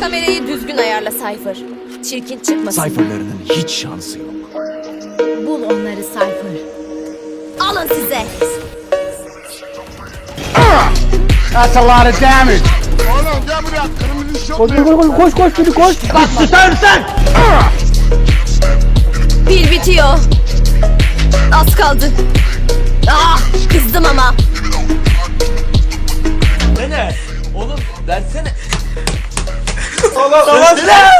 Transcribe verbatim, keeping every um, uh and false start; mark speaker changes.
Speaker 1: Kamerayı düzgün ayarla Cypher. Çirkin çıkmasın.
Speaker 2: Cypher'larının hiç şansı yok.
Speaker 1: Bul onları Cypher. Alın size.
Speaker 3: That's a lot of damage.
Speaker 4: Oğlum gel buraya. Kırmızı şok.
Speaker 3: Koş koş koş koş koş koş. Lan susar mısın?
Speaker 1: Pil bitiyor. Az kaldı. Ah, kızdım ama.
Speaker 5: Ne? Oğlum versene.
Speaker 2: Oğlum versene.